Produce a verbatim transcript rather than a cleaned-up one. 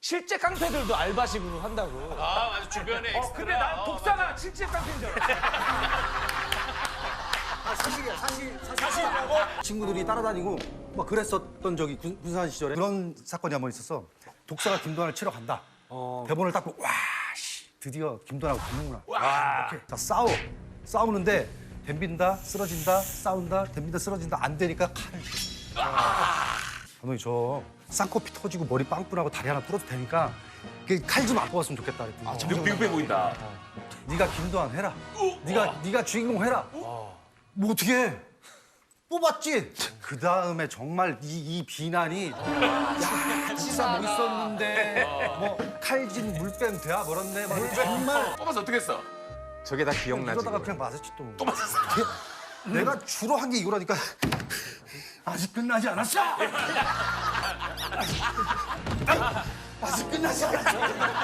실제 깡패들도 알바식으로 한다고. 아 맞아 주변에 엑스트라. 어, 근데 난 독사가 실제 깡패인 줄 알았어. 사실이야, 사실, 사실이라고? 친구들이 따라다니고 막 그랬었던 적이 군- 군산 시절에 그런 사건이 한 번 있었어. 독사가 김도환을 치러 간다. 대본을 딱 보고 와, 씨, 드디어 김도환하고 붙는구나. 오케이. 자, 싸워. 싸우는데 덤빈다, 쓰러진다, 싸운다, 덤빈다, 쓰러진다. 안 되니까 칼을 쥐어. 감독님, 저 쌍코피 터지고 머리 빵꾸나고 다리 하나 부러도 되니까 칼 좀 안 뽑았으면 좋겠다. 그랬더니 아, 미국배 보인다. 네가 김도환 해라. 네가 네가 주인공 해라. 뭐 어떻게 해? 뽑았지. 그 다음에 정말 이, 이 비난이 야 진짜 뭐 있었는데 뭐 칼진 물뱀 돼야 멀었네. 막 정말 뽑아서 어떻게 했어? 저게 다 기억나지. 이러다가 그냥 맞았지 또. 또 맞았어. 내가 주로 한 게 이거라니까. 아직 끝나지 않았어. 아직 끝나지 않았어.